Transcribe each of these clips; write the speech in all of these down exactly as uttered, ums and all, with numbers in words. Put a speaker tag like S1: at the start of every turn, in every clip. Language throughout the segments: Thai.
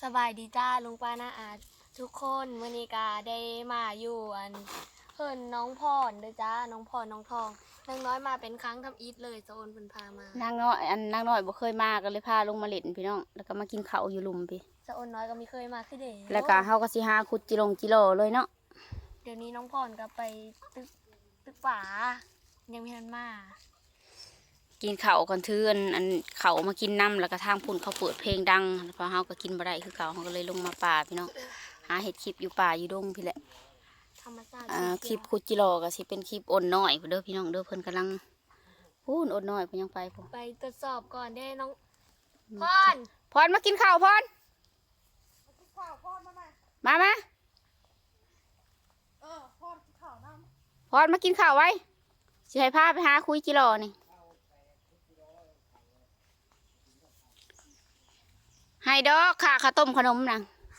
S1: สบายดีจ้าลุงป้าน้าอาทุกคนมื้อนี้ก็ได้มาอยู่อันเพิ่นน้องพรเด้อจ้าน้องพรน้องทองนางน้อยมาเป็นครั้งทำอิฐเลยโซนเพิ่นพามาน
S2: างน้อยอันนางน้อยบ่เคยมาก็เลยพาลงมาเล่นพี่น้องแล้วก็มากินข้าวอยู่หลุมพี่
S1: โซนน้อยก็ไม่เคยมาคือเด้
S2: แล้วก็เฮาก็สิหาขุดจิลงจิโลเลยเนาะ
S1: เดี๋ยวนี้น้องพรก็ไปตึกตึกป่ายังไม่ทันมา
S2: กินข้าวก่อนถืออันอันข้าวมากินน้ำแล้วก็ทางพุ่นเขาเปิดเพลงดังพอเฮาก็กินบ่ได้คือเก่าเฮาก็เลยลงมาป่าพี่น้องหาเฮ็ดคลิปอยู่ป่าอยู่ดงพี่แหละ
S1: ธรรมชาติ
S2: อ่าคลิปขุดจิโลก็สิเป็นคลิปอ่อนน้อยเด้อพี่น้องเด้อเพิ่นกำลังพูนอ่อนน้อยเพิ่นยังไปพุ่น
S1: ไปตรวจสอบก่อนได้น้องพร
S2: พรมากินข้าวพรมามา
S1: เออพรกินข้าวน้ำ
S2: พรมากินข้าวไว้สิให้พาไปหาคุยจิโลนี่ให้ดอกค่ะข้าวต้มขนมนะ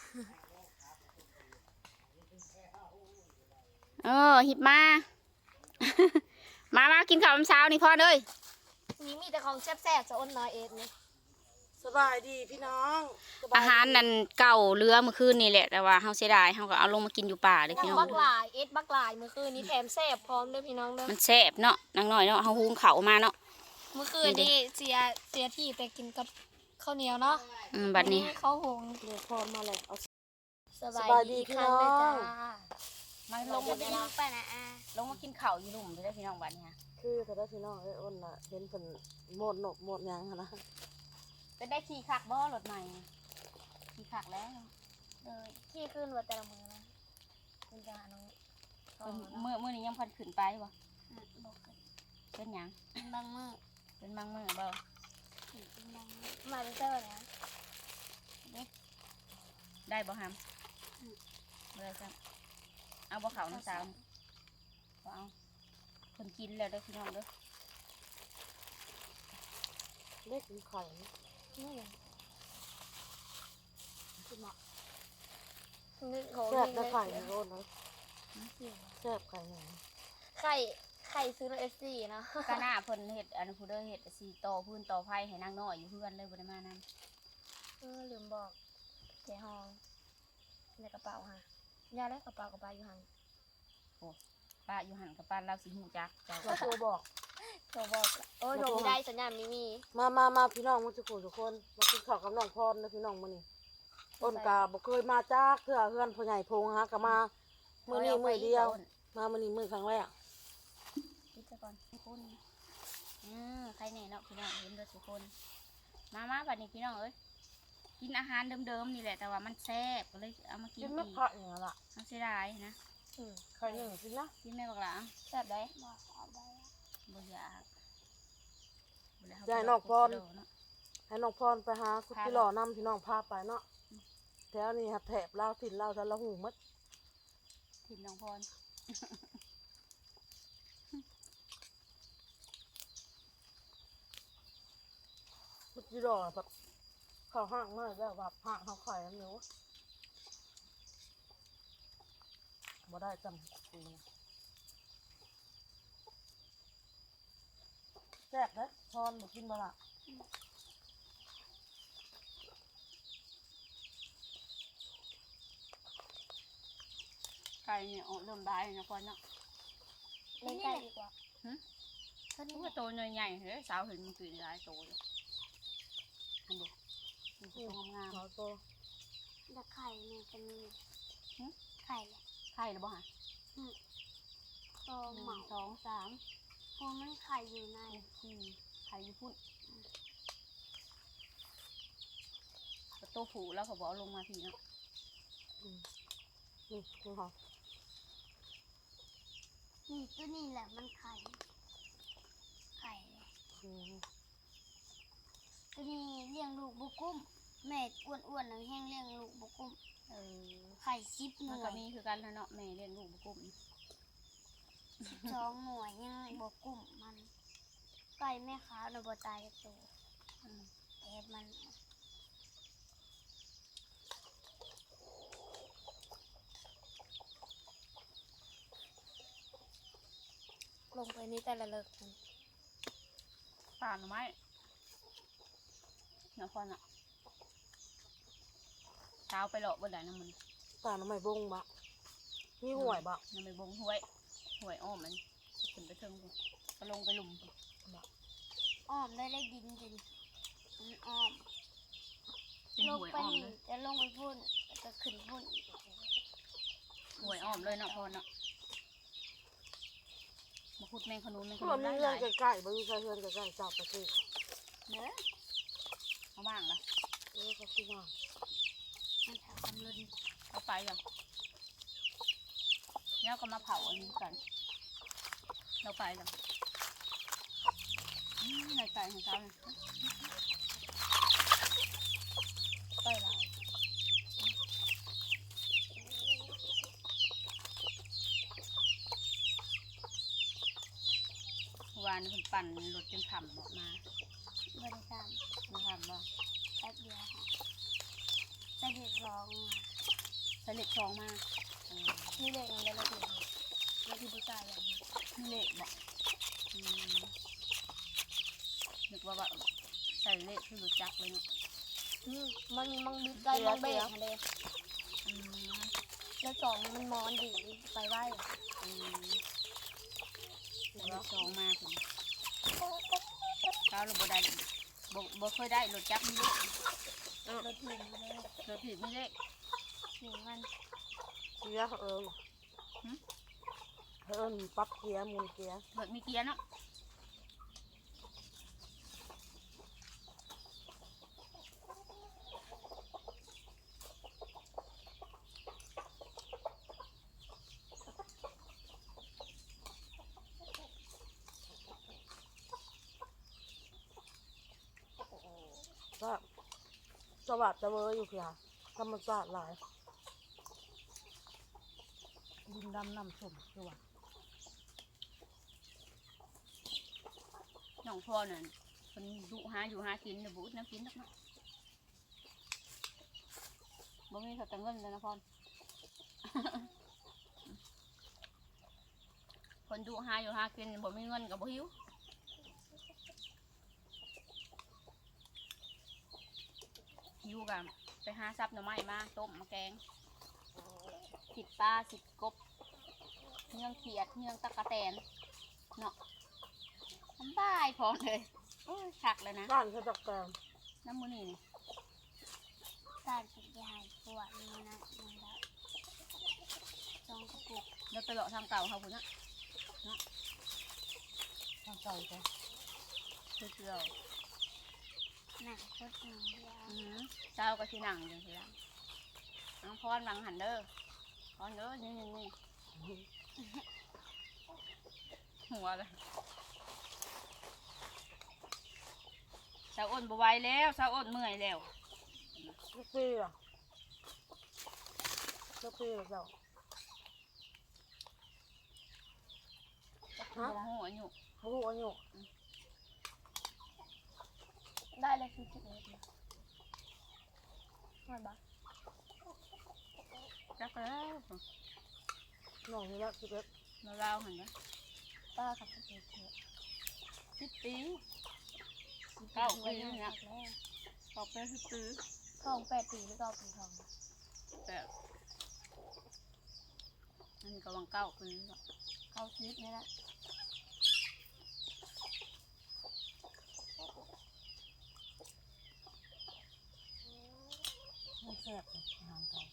S2: เออหิบมา มามากินข้าวเช้านี่พ่อเลย
S1: นี่มีแต่ของแซ่บๆโซนน้อยเอ็ดนี่
S3: สบายดีพี่น้อง
S2: อาหารนั่นเก่าเรือเมื่อคืนนี่แหละแต่ว่าเฮาเสียดายเฮาก็เอาลงมากินอยู่ป่าเลยพี่น้อง
S1: บักหลายเอ็ดบักหลายเมื่อคืนนี้แถมแซ่บพร้อมด้วยพี่น้องเด้อ
S2: มันแซ่บเนาะนางน้อยเนาะเฮาหุงข้าวมาเนาะ
S1: เมื่อคืนนี้เสียเสียที่ไปกินกับข้าวเหนียวเนาะ
S2: อืมบัดนี้
S1: เขาหง
S3: เดี๋ยวพรมาเลยเอา
S1: สบายดีพี่น้อง
S2: มาลงมากินไปนะอ่ะลงมากินข้าวอยู่หลุมได้พี่น้องบัดนี้
S3: คือแต่ได้พี่น้องเอ้ยอ้นน่ะเห็นเพิ่นหมดหนกหมดหยังหั่นนะ
S2: เป็นได้ขี่คักบ่รถใหม่ขี่คักแล้ว
S1: เลยที่ขึ้นว่าแต่ละมือนะคุณจะหาน้อง
S2: มื้อมื้อนี้ยังพันขึ้นไปบ่
S1: บอกกัน
S2: เป็นหยัง
S1: บางมือ
S2: เป็นบางมื้อบ่
S1: มาเจอเนี่ย
S2: ได้บ่ฮัมบ่ได้จ้ะเอาบ่เขาน้ำสาวบ่เอาคนกินแล้วได้พี่น้องเด้อ
S3: เล็กกินไข่
S1: นี่คือเหมาะ
S3: แซ่บได้ไข่ในรถนะแซ่บไข่ไหน
S1: ไข่ไข่ซื้อในเอสซีนะ
S2: กะหน้าเพิ่นเฮ็ดอันผู้เด้อเฮ็ดสีต่อพื้นต่อไผ่ให้นางน้อยอยู่เพื่อนเลยบ่ได้มานำ
S1: เออลืมบอกแกห้องในกระเป๋าค่ะยาและกระเป๋ากระเป๋าอยู่หัน
S2: โอ้ป้าอยู่หันกับป้าเราสิหูจักเจ้า
S3: โทรบอก
S1: โทรบอกโอ้โทรไม่ได้สัญญาณไม่มี
S3: มามามาพี่น้องมาทุกคนทุกคนมากินข้าวกับน้องพรนะพี่น้องมื้อนี้อ้นกาบ่เคยมาจากเทื่อเฮือนพ่อใหญ่พงฮะก็มามื้อนี้มื้อเดียวมามื้อนี้มื้อครั้งแรก
S2: คิดซะก่อนทุกคนอือใครแน่เนาะพี่น้องเห็นเด้อทุกคนมามาบัดนี้พี่น้องเอ้ยกินอาหารเดิมๆนี่แหละแต่ว่ามันแซ่บก็เลยเอามากินอีก
S3: กินไม่ผักอย่างนั้นล่ะ
S2: เอาเสียดายนะ
S3: อือไข่หนึ่งกินนะ
S2: กินแม่บักหล่ะ
S1: แซ่บได้บ่
S2: ได้บ่อยาก
S3: ยายน้องพรให้น้องพรไปหาคุดที่หล่อนำพี่น้องพาไปเนาะแถวนี้แถบลาวถิ่นลาวจะละหูมัด
S2: ถิ่นน้องพร
S3: คุดที่หล่อแบบเขาห่างมากแล้วแบบห่างเขาไข่แล้วเนาะบ่ได้จำจริงแซ่บนะพรบอกกินบ่ละ
S2: ไก่เนี่ยเริ่มได้นะพรเนาะ
S1: เล่นไก่ดีกว่า
S2: ฮึนี่ว่าโตใหญ่ๆเฮ้ยสาวเห็นมันกินหลายโตเลยอันดูมันโตงาม
S3: ๆโต
S1: แต่ไข่เนี่ยจะมีไข่เลย
S2: ไข่หรือเปล่า
S1: โตหมา
S2: สองสาม
S1: พวกมันไข่อยู่ใน
S2: ไข่อยู่พุ่นโตผูแล้วเขาบอกลงมาทีนะ
S3: นี่ดูค่ะ
S1: นี่ตัวนี้แหละมันไข่ไข่ตัวนี้เลี้ยงลูกบุกุ้มแม่อ้วนๆนะแห้งเลี้ยงลูกบุกุ้ม
S2: เออ
S1: ไข่ซิปหน่วย
S2: ก็มีคือกันแล้วเนาะแม่เลี้ยงลูกบุกุ้ม
S1: สองหน่วยยังบุกุ้มมันไก่แม่ขาวในบัวตายตัวแอบมันลงไปนี่แต่ละเลิกมัน
S2: ป่าหน่อไม้เนาะพรอ่ะช้าไปหลอกบ่ได้น้ำมัน
S3: ป่าน้ำไม่บงบะมีห่วยบะ
S2: น้ำมันบงห้วยห้วยอ้อมมันขึ้นไปเทิงพุ่นก็ลงไปหลุมพุ่น
S1: อ้อมได้ได้ดินจริงมันอ้อม
S2: เป็น
S1: ลง
S2: ห้วย
S1: ไป
S2: อ้อม
S1: นี่
S2: เลย
S1: จะลงไปพุ่นจะขึ้นพุ่น
S2: ห้วยอ้อมเลยเนาะพอเนาะมาขุดแมงขนุนแมงข
S3: เพื่
S2: นุ
S3: อน
S2: น
S3: มี
S2: หลาย
S3: เพื่อนใกล้ๆบ่มีใครเพื่อนใกล้ๆจับไปสิ
S2: ๆเนื้อเอาว่างละ
S3: เออเขาคิดว่า
S1: มันแถวคำเลิน
S2: เอาไปยังแล้วก็มาเผาอันนี้กันเราไปยังอืมในใจของเขาเนี่ย
S1: ไปหลาย
S2: เมื่อวานคุณปั่นรถจนขำบอกมา
S1: บริการ
S2: ไม่ขำบอก
S1: แป๊บเดียวค่ะใส่เด็กร้อง
S2: ใส่เหล็กทองมาเออ
S1: นี่เด็กมันได้ระเบียบแล้วที่ผู้ชายอย่างนี้
S2: มีเหล็กบอกอืมนึกว่าว่าใส่เหล็กคือรู้จักเลยเนาะ
S1: อืมมันมันบิดใจมันเบรกค่ะเด็ก
S2: อืม
S1: แล้วสองมันมอนดีไปไหว
S2: อืมใส่เหล็กทองมาคุณก้าวเราบ่ได้บ่บ่เคยได้รถจักรมีเหล็ก
S1: รถหนึ่งเลย
S2: รถผิดมีเหล็ก
S1: หนึ่งมัน
S3: เกียร์เอิญเอิญปรับเกียร์หมุนเกียร์
S2: รถมีเกียร์เนาะ
S3: ก็สวัสดิ์จะเวออยู่ค่ะธรรมศาสตร์หลายดินดำน้ำส้มคือว่า
S2: น้องพ่อเนี่ยคนดุหาอยู่หากินเนี่ยบุญน้ำกินนักเนาะบ่มีเขาแต่เงินเลยนะพ่อ คนดุหาอยู่หากินบ่มีเงินกับบ่หิวหิวกันไปหาซับหน่อไม้มาต้มมาแกงสิบปลาสิบกบเนื้องเขียดเนื้องตะกะแตนเนาะสบายพร้อมเลยโอ้ยคักเลยนะ
S3: บ้านเขาจักแกง
S2: น้ำมือนี่นี่
S1: การกินยาปวดนี่นะมันได้จองกระปุก
S2: เราไปเลาะทางเก่าเขาคุณนะ
S3: ทางเก่าจ้ะ
S2: เชื่อเชื่อ
S1: หนังโคตรหนังยา
S2: อือเจ้าก็ที่นั่งจังสิละน้องพรบังหันเด้อพรเด้อนี่นี่นี่หัวเลยสาวอ้นบไหวแล้วสาวอ้นเมื่อยแล้ว
S3: ลูกปีอ่ะลูกปีเหรอเจ้า
S2: หัวหัวอยู่
S3: เขาหูอายุ
S1: ได้เลยคือจุดนี้นะว่าบ้า
S2: จักแล้ว
S3: น้องนี่ละสิบเอ็ด
S2: มาเล่าหันนะ
S1: ป้ากับพี่เถอะ
S2: สิบปีเก้าปี
S1: แล้ว
S2: นี่นะตอบไปสิบปี
S1: ทองแปดปีหรือเก้าปีทอง
S2: แต่อันนี้กำลังเก้าปีแล้ว
S1: เก้าชีวิตนี่แหละ
S3: ไม่แซ่บเลยทางเก่า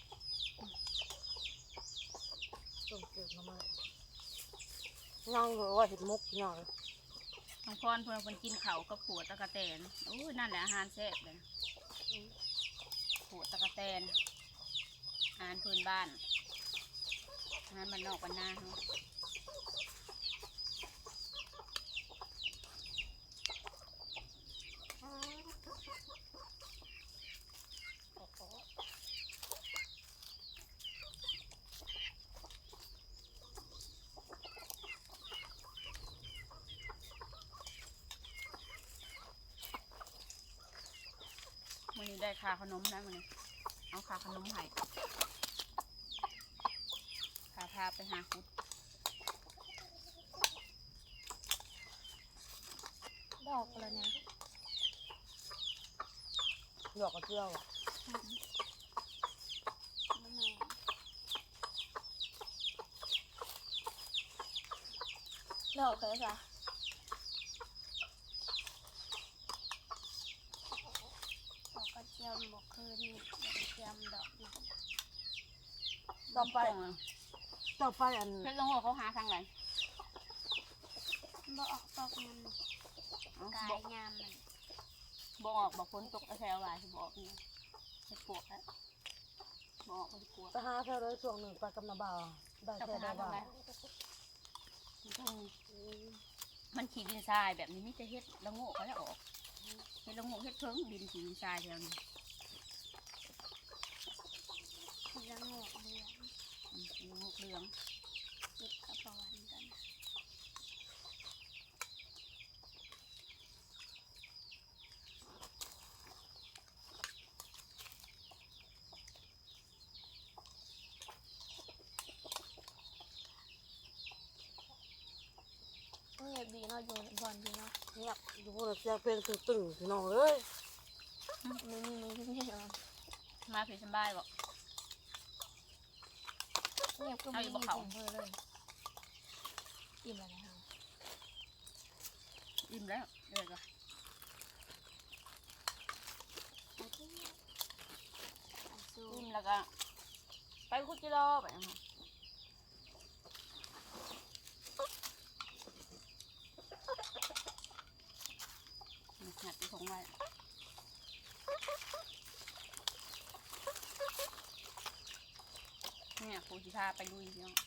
S3: ต้องเก็บมาไหมย่างเหรอว่าเห็ดมุกย่างเลย
S2: น้องพรเพื่อนคนกินเขาวกับผัวตะกะแตนโอ้ยนั่นแหละอาหารแซ่บเลยผัวตะกะแตนอาหารพื้นบ้านอาหารบ้านนอกบ้านนาเขา มันนี้ได้ค่าขนมแล้วมันนี้เอาค่าขนมให้ค่าพาไปหาคุด
S1: ดอกแล้วเนี่ย
S3: หยอกกระเจียวอ่ะ
S1: ดอกเลยจ้ะดอกกระเจียมบอกคืนนี่ดอกกระเจียมดอกนี่
S3: ต่อไป
S2: ตรงอะ
S3: ต่อไปอัน
S2: เพชรลงหัวเขาหาทางไหน
S1: บ่ออกตอกมัน
S2: เอ้าก
S1: า
S2: บอย ก
S1: งามมัน
S2: บอกออกบอกฝนตกแถวหลายสิบอกนี่ไปปวกแล้วบอกไปปวก
S3: ไปหาแถวเลยช่วงหนึ่งไปกับนาบ่าวได้
S2: จะไป
S3: แค่
S2: หา
S3: ได้
S2: ทาง
S3: บ่าว
S2: ไหนมันขี่ดินทรายแบบนี้มิจะเฮ็ดละโง่เขาจะออกเฮ็ดละโง่เฮ็ดเพิ่งดินขี่ดินทรายแถวนี้
S1: มันจะงอกเหลือง
S2: อืมละโง่เหลือง
S1: ติดกระเป๋าวันกันเงียบดีเนาะอยู่บอนดีเนาะ
S3: เงียบอยู่พวกเราเสียงเพลงตึงๆพี่น้องเอ้ย
S1: ไม่มีมือที่ไม่ยอม
S2: มาเพชรสบายบอก
S1: เงียบก็ไม่มีเสียงเพื่อเลยอิ่มแล้วนะคะ
S2: อิ่มแล้วเดี๋ยวก็
S1: ไอ้ที่ไอ้ซู
S2: อิ่มแล้วก็ไปคุดจิโร่ไปนะคะหัดไปส่งไว้เนี่ยครูสิพาไปลุยพี่น้อง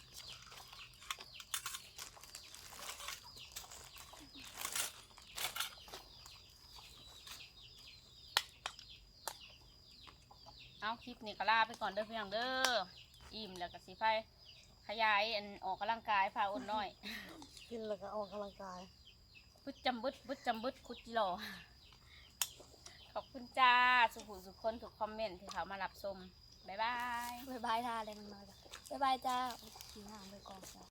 S2: เอาคลิปนี้ก็ลาไปก่อนเด้อพี่น้องเด้ออิ่มแล้วก็สิไปขยายอันออกกำลังกายพาอ้นน้อย
S3: กินแล้วก็ออกกำลังกาย
S2: บึดจำบึดบึดจำบึดคุดจิโร่ขอบคุณจ้า สุขุสุขคนถูกคอมเมนต์ที่เขามารับชมบ๊ายบาย
S1: บ๊ายบายท่าเลยน้องน้อยจ้ะบ๊ายบายจ้ากินอาหารไปก่อนจ้ะ